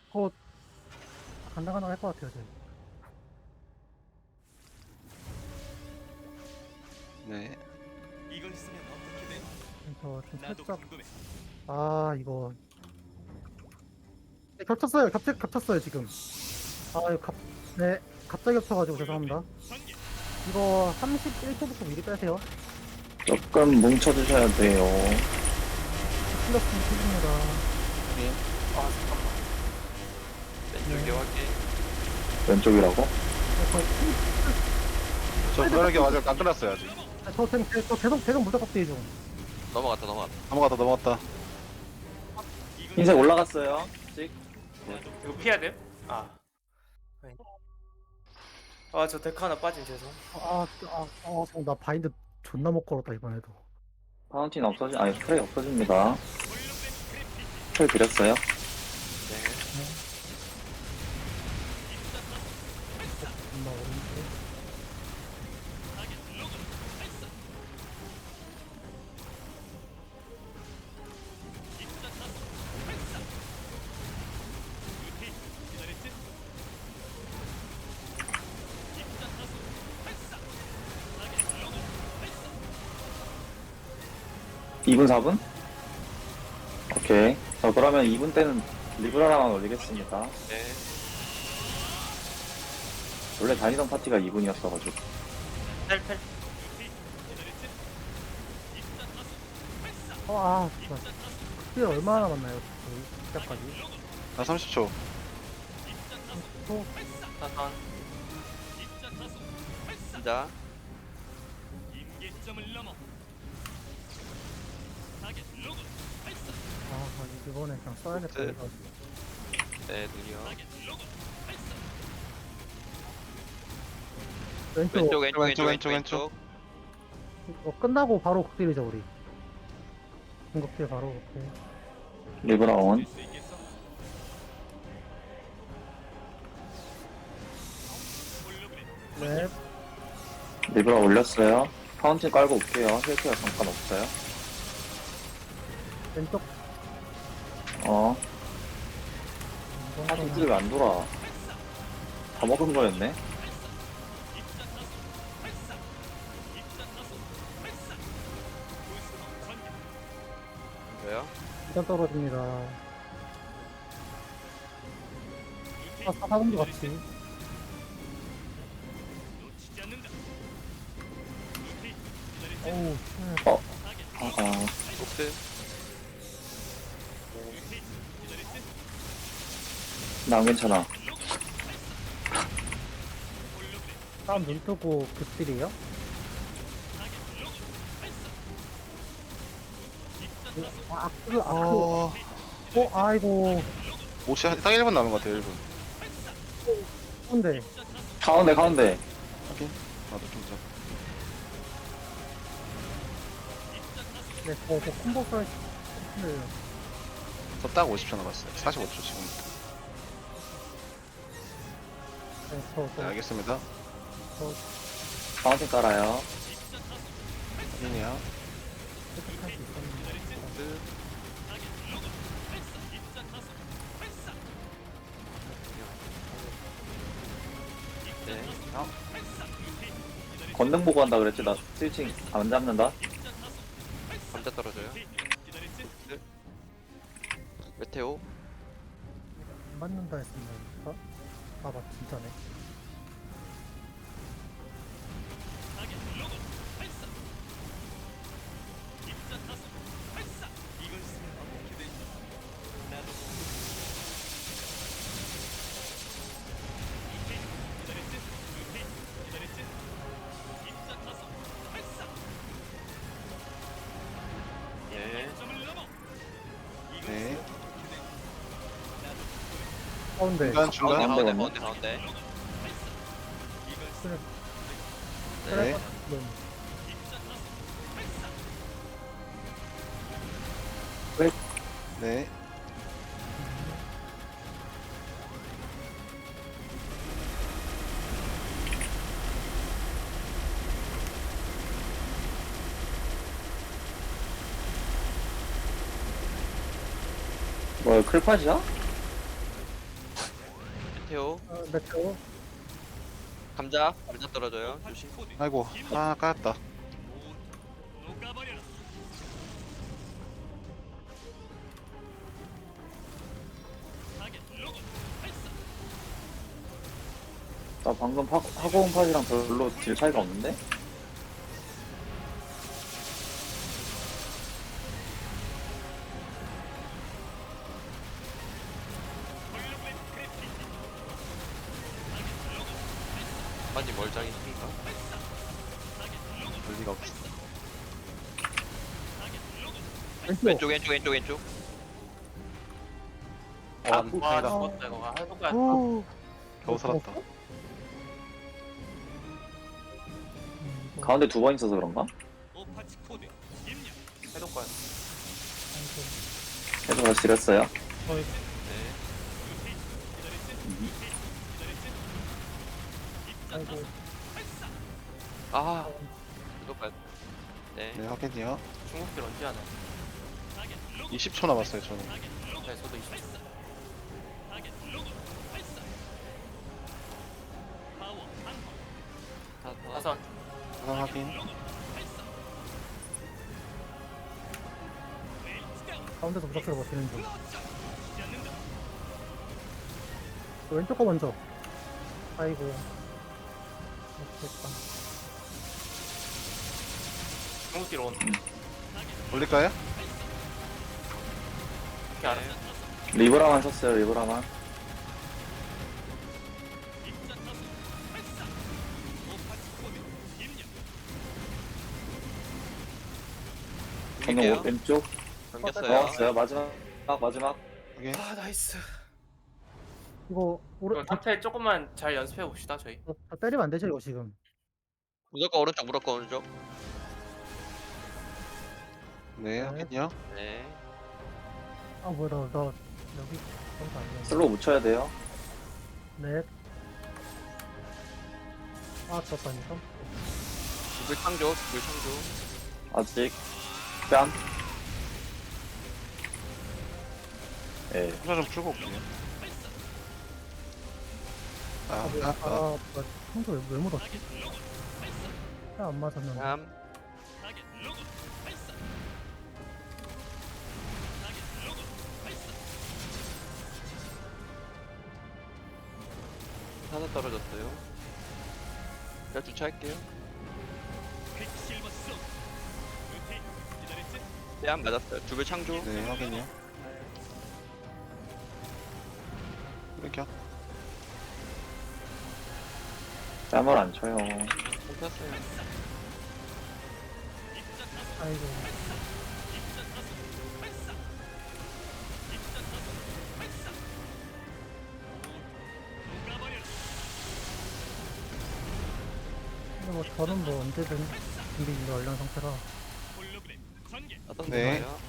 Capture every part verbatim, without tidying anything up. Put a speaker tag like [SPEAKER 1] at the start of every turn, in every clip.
[SPEAKER 1] 어, 간당간당 할 것 같아요, 지금.
[SPEAKER 2] 네.
[SPEAKER 3] 이걸 쓰면 어떻게 돼?
[SPEAKER 1] 그래서 좀
[SPEAKER 3] 나도
[SPEAKER 1] 살짝,
[SPEAKER 3] 궁금해.
[SPEAKER 1] 아, 이거. 네, 겹쳤어요. 겹, 겹쳤어요, 지금. 아, 이거 갑, 네. 갑자기 겹쳐가지고 죄송합니다.
[SPEAKER 3] 관계.
[SPEAKER 1] 이거 삼십일 초부터 미리 빼세요.
[SPEAKER 4] 조금 뭉쳐주셔야 돼요.
[SPEAKER 1] 플러스는 칩니다.
[SPEAKER 5] 아 잠깐만. 왼쪽에 확인.
[SPEAKER 4] 왼쪽이라고?
[SPEAKER 2] 저 그러게 아직 안 끝났어요 아직.
[SPEAKER 1] 저, 저, 저, 저 계속, 계속 무적 값대기 중.
[SPEAKER 5] 넘어갔다 넘어갔다.
[SPEAKER 2] 넘어갔다 넘어갔다.
[SPEAKER 4] 흰색 올라갔어요. 찍.
[SPEAKER 6] 이거 피해야 돼요? 아. 아, 저 데크 하나 빠진 죄송.
[SPEAKER 1] 아, 아, 아, 아, 나 바인드 존나 못 걸었다, 이번에도.
[SPEAKER 4] 파운틴 없어지, 아니, 스프레이 없어집니다. 스프레이 드렸어요.
[SPEAKER 5] 네.
[SPEAKER 1] 존나 어려운데.
[SPEAKER 4] 이 분, 사 분? 오케이. 자, 그러면 이 분 때는 리브라라만 올리겠습니다.
[SPEAKER 5] 네.
[SPEAKER 4] 원래 다니던 파티가 이 분이었어가지고.
[SPEAKER 6] 펠펠.
[SPEAKER 1] 어, 아, 진짜. 그때 얼마나 남았나요? 저희 시작까지.
[SPEAKER 2] 나 삼십 초.
[SPEAKER 1] 또,
[SPEAKER 6] 사선.
[SPEAKER 5] 진짜.
[SPEAKER 3] 임계점을 넘어. 타겟 로그.
[SPEAKER 1] 아, 이번에 그냥 써야겠다.
[SPEAKER 5] 네.
[SPEAKER 1] 이거.
[SPEAKER 5] 네 눈이요.
[SPEAKER 3] 타겟 로그.
[SPEAKER 1] 왼쪽,
[SPEAKER 5] 왼쪽 왼쪽
[SPEAKER 2] 왼쪽,
[SPEAKER 5] 왼쪽
[SPEAKER 2] 왼쪽,
[SPEAKER 5] 왼쪽.
[SPEAKER 1] 이거 끝나고 바로 극딜이죠, 우리. 공격딜 바로, 오케이.
[SPEAKER 4] 리브라 온.
[SPEAKER 3] 수 있겠어? 홀로그램.
[SPEAKER 1] 네,
[SPEAKER 4] 리브라 올렸어요. 파운틴 깔고 올게요. 힐케어 잠깐 없어요.
[SPEAKER 1] 왼쪽.
[SPEAKER 4] 어.
[SPEAKER 1] 이번
[SPEAKER 4] 파운틴
[SPEAKER 1] 거는
[SPEAKER 4] 왜 안 돌아? 다 먹은 거였네?
[SPEAKER 5] 왜요?
[SPEAKER 1] 일단 떨어집니다. 아, 사사분도 같이.
[SPEAKER 3] 놓치지 않는다.
[SPEAKER 1] 어우,
[SPEAKER 4] 어. 아아.
[SPEAKER 5] 녹스.
[SPEAKER 4] 난 괜찮아.
[SPEAKER 1] 싸움 눈 뜨고 극딜이에요? 아, 그, 아, 그,
[SPEAKER 2] 어.
[SPEAKER 1] 어, 아이고.
[SPEAKER 2] 오 시간 딱 일 분 남은 것 같아요 일 분.
[SPEAKER 1] 근데,
[SPEAKER 4] 가운데, 가운데.
[SPEAKER 2] 확인. 나도 좀 더.
[SPEAKER 1] 네, 저, 저 콤보 썰, 네,
[SPEAKER 2] 저딱 오십 초 남았어요. 사십오 초 지금.
[SPEAKER 1] 네, 저,
[SPEAKER 2] 네
[SPEAKER 1] 저,
[SPEAKER 2] 알겠습니다.
[SPEAKER 1] 저,
[SPEAKER 4] 파운틴 깔아요.
[SPEAKER 2] 확인이요.
[SPEAKER 1] 획득할 수 있었는데.
[SPEAKER 5] 녹스. 네.
[SPEAKER 4] 건능 보고 한다 그랬지? 나 스위칭 안 잡는다?
[SPEAKER 5] 감자 떨어져요. 녹스. 메테오.
[SPEAKER 1] 안 맞는다 했습니다. 아, 맞, 진짜네.
[SPEAKER 3] 이걸 쓰면 어떻게 돼? 나도
[SPEAKER 5] 네.
[SPEAKER 3] 점을 넘어. 이걸
[SPEAKER 2] 네.
[SPEAKER 3] 쓰면 어떻게 돼?
[SPEAKER 1] 가운데.
[SPEAKER 2] 중간
[SPEAKER 5] 가운데
[SPEAKER 2] 중간.
[SPEAKER 5] 가운데
[SPEAKER 4] 가운데
[SPEAKER 5] 가운데 가운데.
[SPEAKER 3] 이걸 쓰면
[SPEAKER 2] 네.
[SPEAKER 1] 네.
[SPEAKER 2] 네.
[SPEAKER 4] 뭐야, 클팟이야?
[SPEAKER 5] 메테오.
[SPEAKER 1] 어, 메테오.
[SPEAKER 5] 감자. 감자 떨어져요. 조심.
[SPEAKER 2] 아이고, 아, 까였다.
[SPEAKER 3] 녹아버려라. 타겟 로고 발사.
[SPEAKER 4] 나 방금 파, 하고온 팟이랑 별로 질 차이가 없는데?
[SPEAKER 5] 아니 멀장이 힘인가?
[SPEAKER 2] 볼 리가 없어.
[SPEAKER 1] 왼쪽.
[SPEAKER 5] 왼쪽 왼쪽 왼쪽 왼쪽.
[SPEAKER 2] 어,
[SPEAKER 6] 와
[SPEAKER 2] 다행이다.
[SPEAKER 6] 죽었다 이거. 아 해볼까?
[SPEAKER 1] 오.
[SPEAKER 2] 겨우 살았다.
[SPEAKER 1] 음, 이거
[SPEAKER 4] 가운데 두 번 있어서 그런가?
[SPEAKER 3] 오파치 코드 입력.
[SPEAKER 6] 해볼까요?
[SPEAKER 1] 아이고.
[SPEAKER 4] 계속 다시 지렸어요.
[SPEAKER 1] 어이,
[SPEAKER 5] 네.
[SPEAKER 1] 아이고.
[SPEAKER 5] 아. 이거까지. 네.
[SPEAKER 2] 네, 확인이요.
[SPEAKER 6] 중국길 언제 하나?
[SPEAKER 2] 이십 초 남았어요, 저는.
[SPEAKER 6] 네 저도 이십 초.
[SPEAKER 3] 타겟 로고 발사. 파워 한번.
[SPEAKER 5] 다- 다-
[SPEAKER 6] 사선.
[SPEAKER 2] 하나 확인.
[SPEAKER 1] 가운데서 무작위로 버티는 중. 왼쪽 거 먼저. 아이고. 됐다.
[SPEAKER 6] 중국길 온.
[SPEAKER 2] 올릴까요?
[SPEAKER 6] 이렇게 알아.
[SPEAKER 4] 리브라만 썼어요, 리브라만. 저는
[SPEAKER 5] 밀게요.
[SPEAKER 4] 오- 왼쪽
[SPEAKER 5] 넘겼어요.
[SPEAKER 4] 넣었어요. 마지막, 마지막.
[SPEAKER 2] 확인.
[SPEAKER 6] 아 나이스.
[SPEAKER 1] 이거 오른
[SPEAKER 6] 이거 탑텔 조금만 잘 연습해 봅시다 저희.
[SPEAKER 1] 저, 저 때리면 안 되죠 이거 지금.
[SPEAKER 5] 무조건 오른쪽 무조건 오른쪽.
[SPEAKER 2] 네, 확인이요.
[SPEAKER 5] 네.
[SPEAKER 1] 아 뭐야 나, 나 여기 그런 거 아니야.
[SPEAKER 4] 슬로우 묻혀야 돼요.
[SPEAKER 1] 넷. 아 떴다니까.
[SPEAKER 5] 물 창조. 물 창조.
[SPEAKER 4] 아직. 뺨. 예.
[SPEAKER 2] 후자 좀 풀고 올게요. 아,
[SPEAKER 1] 아 뭐야.
[SPEAKER 2] 아,
[SPEAKER 1] 아,
[SPEAKER 2] 아.
[SPEAKER 1] 뭐야. 청소 왜, 왜 묻었지? 안 맞았는데.
[SPEAKER 5] 삼.
[SPEAKER 3] 타겟 로고 발사. 타겟 로고 발사.
[SPEAKER 5] 하나 떨어졌어요. 제가 주차할게요.
[SPEAKER 3] 퀵실버 쏘. 루티 기다렸지?
[SPEAKER 5] 뺨 맞았어요. 두배 창조.
[SPEAKER 2] 네, 확인이요. 이렇게.
[SPEAKER 4] 뺨을 안 쳐요.
[SPEAKER 5] 쳤어요.
[SPEAKER 1] 아이고.
[SPEAKER 3] 녹아버려라.
[SPEAKER 1] 근데 뭐 저는 뭐 언제든 준비 완료 상태라.
[SPEAKER 3] 홀로그램 전개.
[SPEAKER 5] 어떤
[SPEAKER 2] 네.
[SPEAKER 5] 거예요?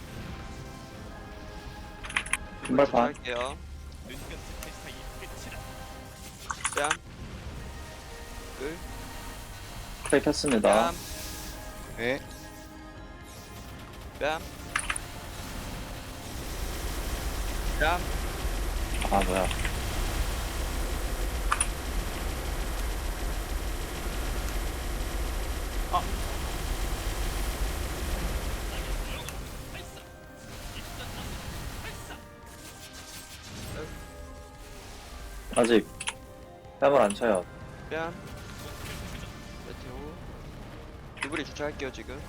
[SPEAKER 4] 신발판.
[SPEAKER 5] 할게요.
[SPEAKER 3] 눈 깜짝할 사이 끝이다.
[SPEAKER 5] 뺨. 끌.
[SPEAKER 4] 플레이 켰습니다.
[SPEAKER 5] 뺨.
[SPEAKER 2] 네.
[SPEAKER 5] 뺨. 뺨.
[SPEAKER 4] 아, 뭐야. 아직 뺨을 안 쳐요.
[SPEAKER 5] 뺨. 메테오. 두블이 주차할게요 지금.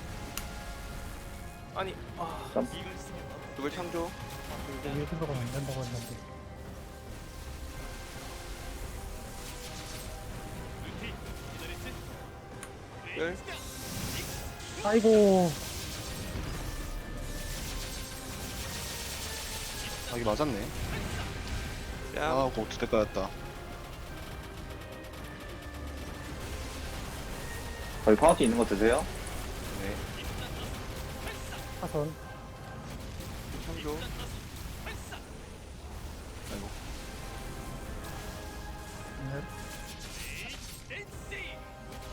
[SPEAKER 6] 아니 아
[SPEAKER 3] 이걸 쓰면
[SPEAKER 5] 두블 창조.
[SPEAKER 1] 위에 들어가면 안 된다고 했는데.
[SPEAKER 3] 루티 기다렸지?
[SPEAKER 5] 끌.
[SPEAKER 1] 아이고.
[SPEAKER 2] 아, 이게 맞았네.
[SPEAKER 5] 뺨.
[SPEAKER 2] 아, 그거 두대 까였다.
[SPEAKER 4] 거기 파운티 있는 거 드세요?
[SPEAKER 2] 네.
[SPEAKER 1] 사선.
[SPEAKER 5] 창조.
[SPEAKER 2] 아이고.
[SPEAKER 1] 넷.
[SPEAKER 3] 엔씨.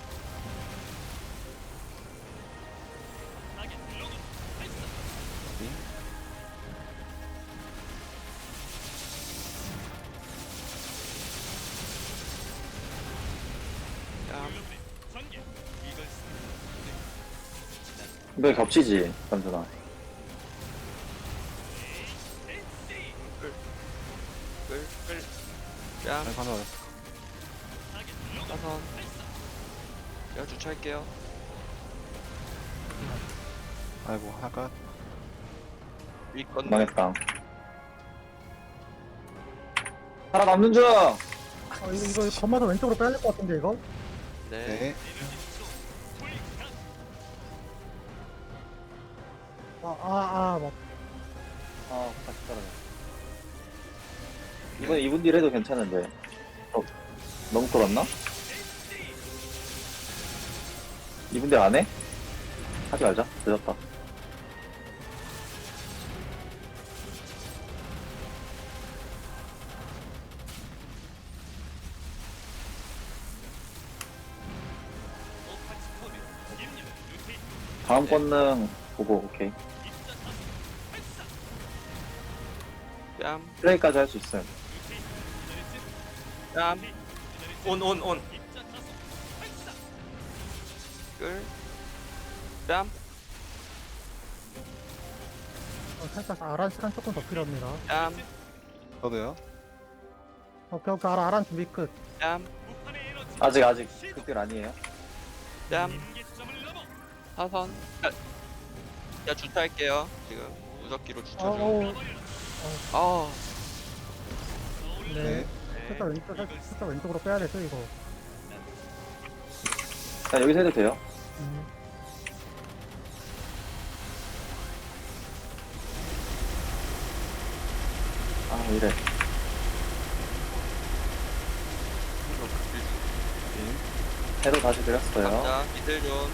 [SPEAKER 3] 타겟 로고 발사.
[SPEAKER 2] 확인.
[SPEAKER 4] 이거 겹치지, 남준아.
[SPEAKER 5] 끌, 끌. 뺨,
[SPEAKER 2] 아이고 하나 맞았어.
[SPEAKER 5] 사선. 제가 주차할게요.
[SPEAKER 2] 아이고 하가.
[SPEAKER 5] 위 건.
[SPEAKER 4] 망했다. 살아남는 중!
[SPEAKER 1] 아, 이거, 이거 건마서 왼쪽으로 빼야 될 것 같은데, 이거?
[SPEAKER 5] 네.
[SPEAKER 2] 네.
[SPEAKER 1] 아, 아, 아, 맞.
[SPEAKER 4] 아, 다시 떨어져. 이번에 이 분 딜 해도 괜찮은데. 어, 너무 끌었나? 이 분 딜 안 해? 하지 말자. 늦었다. 다음 권능 보고, 오케이.
[SPEAKER 5] 뺨,
[SPEAKER 4] 플레이까지 할 수 있어요.
[SPEAKER 5] 뺨,
[SPEAKER 6] 온, 온, 온.
[SPEAKER 5] 끌. 뺨,
[SPEAKER 1] 어, 살짝 아란 시간 조금 더 필요합니다.
[SPEAKER 5] 뺨,
[SPEAKER 2] 저도요.
[SPEAKER 1] 오케이, 오케이, 아란, 아란 준비 끝.
[SPEAKER 5] 뺨,
[SPEAKER 4] 아직, 아직, 그딜 아니에요.
[SPEAKER 5] 뺨. 사선. 야, 야 주차할게요. 지금 무적기로 주차
[SPEAKER 1] 어,
[SPEAKER 5] 중.
[SPEAKER 1] 어,
[SPEAKER 5] 아,
[SPEAKER 1] 네.
[SPEAKER 2] 네.
[SPEAKER 1] 살짝 왼쪽, 살짝, 살짝 왼쪽으로 빼야 되죠, 이거.
[SPEAKER 4] 자, 여기서 해도 돼요.
[SPEAKER 1] 음.
[SPEAKER 4] 아, 이래. 해도 다시 드렸어요.
[SPEAKER 5] 감자, 미들 좀.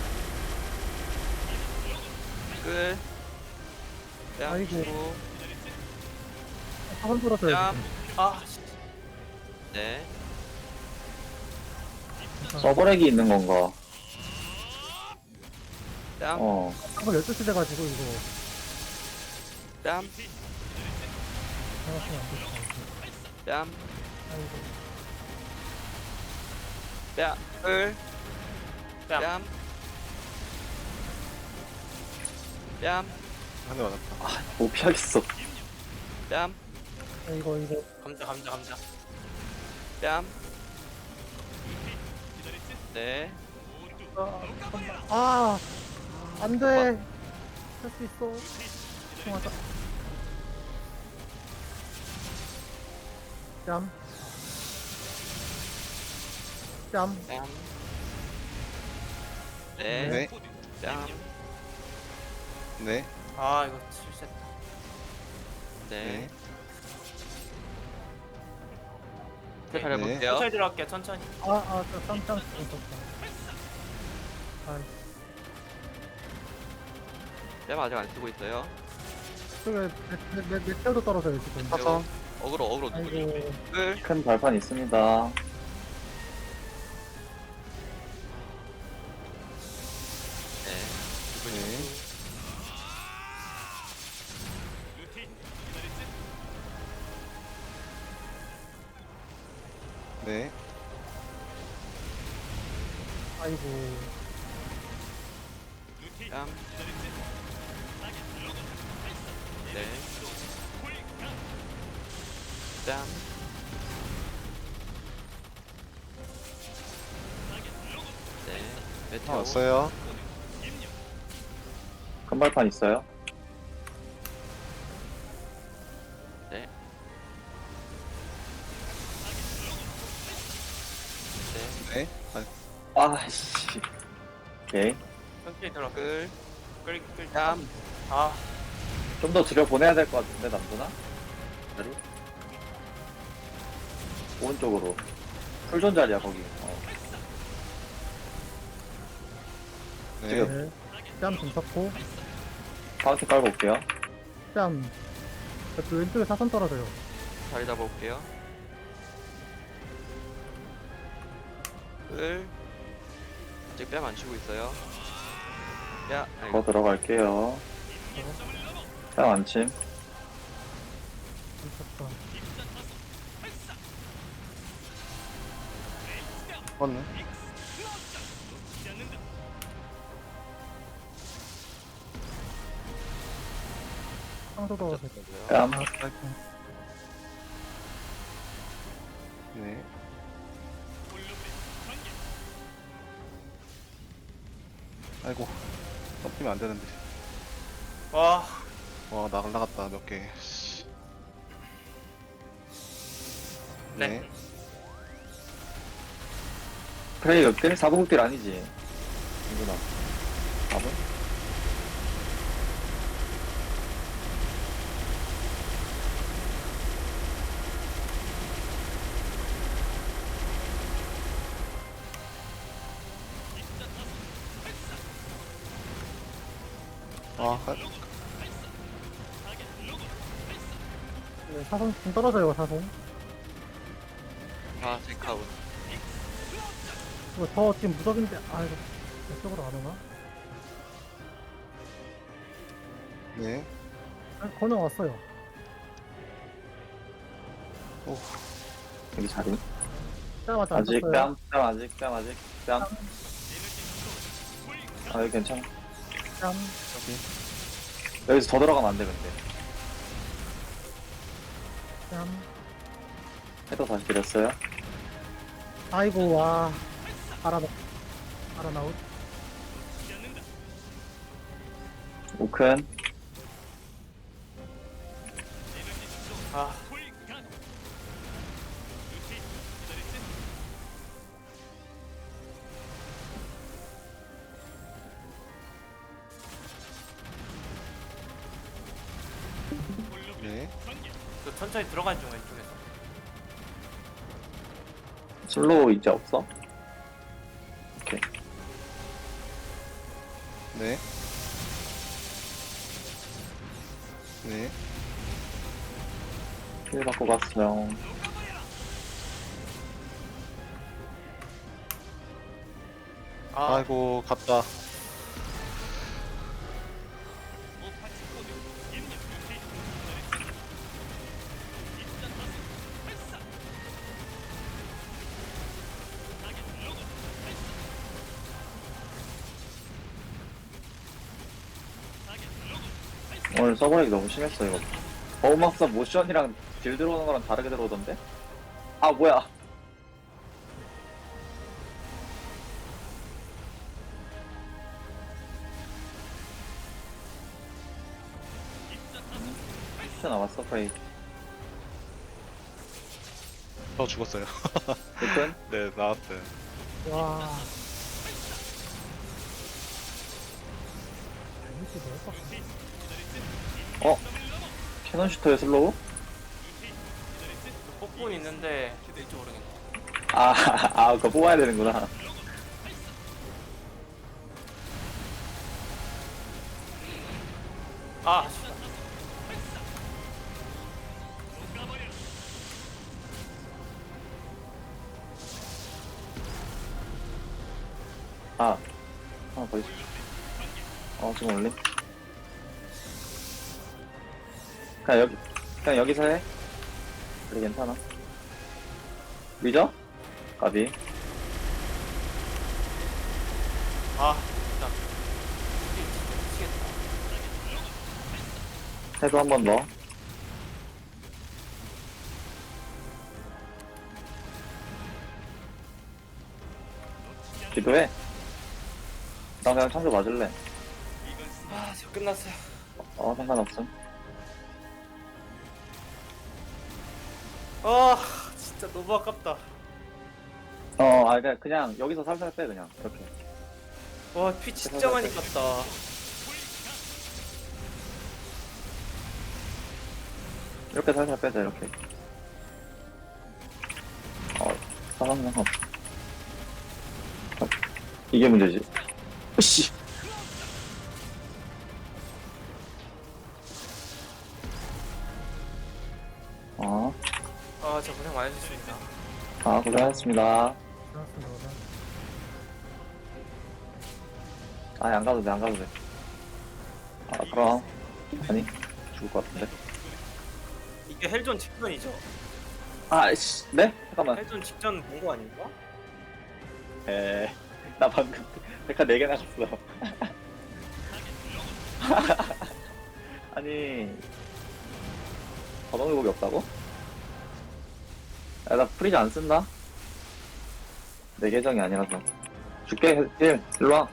[SPEAKER 5] 끌. 뺨,
[SPEAKER 1] 아이고.
[SPEAKER 5] 주고.
[SPEAKER 1] 사선 들었어요.
[SPEAKER 5] 야.
[SPEAKER 1] 지금.
[SPEAKER 6] 아, 씨.
[SPEAKER 5] 네.
[SPEAKER 4] 서버렉이 있는 건가?
[SPEAKER 5] 뺨,
[SPEAKER 4] 어.
[SPEAKER 1] 한번 열두 시 돼가지고, 이거.
[SPEAKER 5] 뺨,
[SPEAKER 1] 생각하면 안 되겠다.
[SPEAKER 5] 뺨,
[SPEAKER 1] 아이고.
[SPEAKER 5] 뺨, 끌.
[SPEAKER 6] 뺨.
[SPEAKER 5] 뺨. 뺨,
[SPEAKER 2] 한 대 맞았다.
[SPEAKER 4] 못 피하겠어.
[SPEAKER 5] 뺨,
[SPEAKER 1] 아, 이거, 이거.
[SPEAKER 6] 감자, 감자, 감자.
[SPEAKER 5] 뺨. 네.
[SPEAKER 1] 아, 안 돼. 할 수 있어. 통하자. 뺨. 뺨.
[SPEAKER 5] 뺨. 네.
[SPEAKER 2] 네.
[SPEAKER 5] 뺨.
[SPEAKER 2] 네.
[SPEAKER 6] 아, 이거 실수했다.
[SPEAKER 5] 네.
[SPEAKER 2] 네.
[SPEAKER 6] 오케이.
[SPEAKER 5] 잘
[SPEAKER 2] 네.
[SPEAKER 5] 해볼게요.
[SPEAKER 6] 천천히 들어갈게요, 천천히.
[SPEAKER 1] 아, 아, 저 깜짝 놀랐다. 아,
[SPEAKER 5] 뺨 아직 안 쓰고 있어요.
[SPEAKER 1] 저게 내, 내, 내 태워도 떨어져요, 지금.
[SPEAKER 2] 사선.
[SPEAKER 5] 어그로, 어그로 누구 좀.
[SPEAKER 1] 아이고.
[SPEAKER 5] 끌.
[SPEAKER 4] 큰 발판 있습니다.
[SPEAKER 5] 네.
[SPEAKER 2] 네. 네.
[SPEAKER 1] 아이고.
[SPEAKER 5] 뺨. 네. 뺨. 네.
[SPEAKER 2] 하나
[SPEAKER 5] 메테오.
[SPEAKER 2] 왔어요.
[SPEAKER 4] 큰 발판 있어요.
[SPEAKER 5] 네. 네.
[SPEAKER 2] 네. 아,
[SPEAKER 4] 아씨. 오케이.
[SPEAKER 6] 천천히 들어.
[SPEAKER 5] 끌.
[SPEAKER 6] 끌, 끌.
[SPEAKER 5] 뺨.
[SPEAKER 6] 아,
[SPEAKER 4] 좀 더 들여 보내야 될 것 같은데, 남준아? 자리? 오른쪽으로. 풀존 자리야, 거기. 어.
[SPEAKER 2] 네.
[SPEAKER 4] 지금.
[SPEAKER 1] 네. 뺨 좀 쳤고.
[SPEAKER 4] 파운틴 깔고 올게요.
[SPEAKER 1] 뺨. 그 왼쪽에 사선 떨어져요.
[SPEAKER 5] 자리 잡아볼게요. 끌. 아직 뺨 안 치고 있어요. 야,
[SPEAKER 4] 더
[SPEAKER 5] 아이고.
[SPEAKER 4] 들어갈게요. 뺨 안침.
[SPEAKER 1] 미쳤다.
[SPEAKER 2] 맞네.
[SPEAKER 1] 뺨도 넣어서.
[SPEAKER 4] 뺨.
[SPEAKER 1] 아,
[SPEAKER 2] 네. 아이고. 덮이면 안 되는데.
[SPEAKER 6] 와,
[SPEAKER 2] 와, 나 날라갔다, 몇 개. 씨.
[SPEAKER 6] 네.
[SPEAKER 2] 네.
[SPEAKER 4] 프레이 극딜? 사 분 극딜 아니지? 이구나. 사 분?
[SPEAKER 2] 아, 가-
[SPEAKER 1] 네, 사선 좀 떨어져요, 사선.
[SPEAKER 5] 아 데카운.
[SPEAKER 1] 이거 저 지금 무적인데, 아, 이거 이쪽으로 안 오나?
[SPEAKER 2] 네.
[SPEAKER 1] 아, 건너 왔어요.
[SPEAKER 2] 오,
[SPEAKER 4] 여기 자리.
[SPEAKER 1] 짜마자 안
[SPEAKER 4] 아직
[SPEAKER 1] 떴어요.
[SPEAKER 4] 뺨, 뺨 아직, 뺨 아직, 뺨. 아, 여기 괜찮아.
[SPEAKER 1] 뺨.
[SPEAKER 4] 여기서 더 들어가면 안 돼, 근데.
[SPEAKER 1] 뺨.
[SPEAKER 4] 해도 다시 드렸어요.
[SPEAKER 1] 아이고, 와. 알아나, 알아나웃.
[SPEAKER 4] 우큰.
[SPEAKER 6] 아,
[SPEAKER 2] 네.
[SPEAKER 6] 그 천천히 들어간 중 왼쪽에서.
[SPEAKER 4] 슬로우 이제 없어? 오케이.
[SPEAKER 2] 네. 네.
[SPEAKER 4] 힐 받고 갔어요.
[SPEAKER 6] 아,
[SPEAKER 2] 아이고, 갔다.
[SPEAKER 4] 오늘 서버렉이 너무 심했어, 이거. 어우막사 모션이랑 딜 들어오는 거랑 다르게 들어오던데? 아, 뭐야. 진짜 나왔어, 프레이.
[SPEAKER 2] 저 죽었어요.
[SPEAKER 4] 우큰?
[SPEAKER 2] 네, 나왔어요.
[SPEAKER 1] 와. 이게 뭐야?
[SPEAKER 4] 어? 캐논 슈터의 슬로우?
[SPEAKER 6] 폭군 있는데 될지 모르겠네.
[SPEAKER 4] 아, 아, 그거 뽑아야 되는구나.
[SPEAKER 6] 아, 씨.
[SPEAKER 4] 아, 하나 더 있어. 어, 지금 올림? 그냥 여기, 그냥 여기서 해. 그래, 괜찮아. 믿어? 가비.
[SPEAKER 6] 아, 진짜. 이게 진짜 미치겠다.
[SPEAKER 4] 해도 한 번 더. 기도해. 나 그냥 창조 맞을래.
[SPEAKER 6] 아, 저 끝났어요.
[SPEAKER 4] 어, 상관없음.
[SPEAKER 6] 아, 진짜 너무 아깝다.
[SPEAKER 4] 어, 아, 그냥, 그냥 여기서 살살 빼, 그냥. 이렇게.
[SPEAKER 6] 와, 피 진짜 많이 깠다.
[SPEAKER 4] 이렇게 살살 빼자, 이렇게. 어, 사람 상관없어. 어, 이게 문제지. 으씨. 어,
[SPEAKER 6] 아, 저 고생 많으셨습니다.
[SPEAKER 4] 아, 고생하셨습니다.
[SPEAKER 1] 알았습니다.
[SPEAKER 4] 아, 안 가도 돼, 안 가도 돼. 아, 그럼. 아니, 죽을 것 같은데.
[SPEAKER 6] 이게 헬존 직전이죠?
[SPEAKER 4] 아, 씨, 네? 잠깐만.
[SPEAKER 6] 헬존 직전 본 거 아닌가?
[SPEAKER 4] 에, 나 방금 데카 네 개 나갔어. 아니, 바동 회복이 없다고? 야, 나 프리즈 안 쓴다? 내 계정이 아니라서. 줄게, 힐. 일로 와.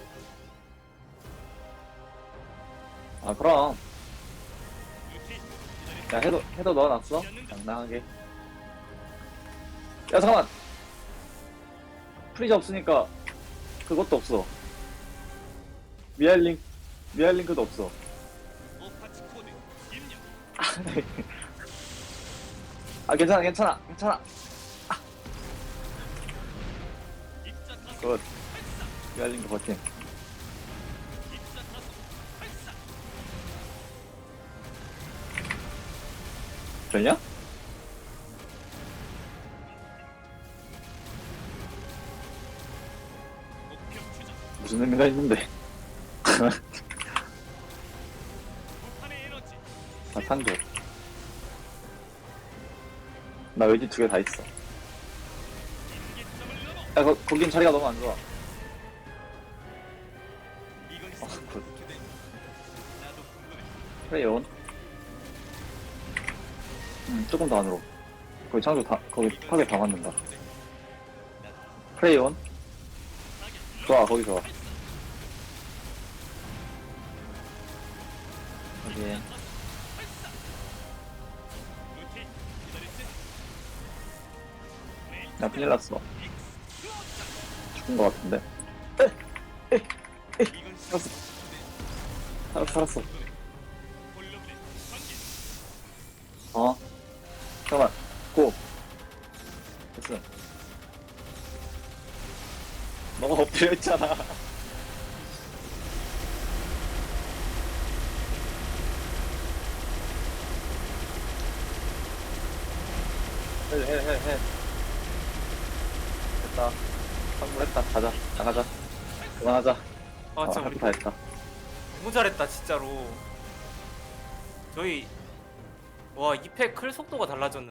[SPEAKER 4] 아, 그럼.
[SPEAKER 3] 루티
[SPEAKER 4] 야, 해도, 해도 넣어놨어? 당당하게. 야, 잠깐만! 프리즈 없으니까, 그것도 없어. 미알링, 미알링크도 없어.
[SPEAKER 3] 오파치 코드 입력.
[SPEAKER 4] 아, 괜찮아, 괜찮아, 괜찮아.
[SPEAKER 3] 입자 타소
[SPEAKER 4] 굿.
[SPEAKER 3] 발사.
[SPEAKER 4] 미알링크 버팀.
[SPEAKER 3] 입자 타소 발사.
[SPEAKER 4] 되냐?
[SPEAKER 3] 목표 추적.
[SPEAKER 4] 무슨 의미가 있는데.
[SPEAKER 3] 무한의 에너지.
[SPEAKER 4] 아, 탄조. 나 외지 두 개 다 있어.
[SPEAKER 3] 임계점을 넘어.
[SPEAKER 4] 야, 거, 거긴 자리가 너무 안 좋아.
[SPEAKER 3] 이건
[SPEAKER 4] 어,
[SPEAKER 3] 있으면
[SPEAKER 4] 굿.
[SPEAKER 3] 어떻게 돼? 나도 궁금해.
[SPEAKER 4] 프레이온. 음, 조금 더 안으로. 거기 창조 다, 거기 파괴 다 맞는다. 프레이온. 좋아, 거기 좋아. 여기.
[SPEAKER 3] 루티 기다렸지?
[SPEAKER 4] 나 큰일 났어. 죽은 거 같은데.
[SPEAKER 3] 이건
[SPEAKER 4] 살았어. 살았어, 살았어.
[SPEAKER 3] 홀로그램 관계.
[SPEAKER 4] 어. 잠깐만. 고. 됐어. 너가 엎드려 있잖아. 해, 해, 해, 해. 됐다. 성공했다. 가자. 나가자. 그만하자.
[SPEAKER 6] 아, 진짜
[SPEAKER 4] 아,
[SPEAKER 6] 우리
[SPEAKER 4] 다 했다.
[SPEAKER 6] 너무 잘했다, 진짜로. 저희, 와, 이 팩 클 속도가 달라졌는데.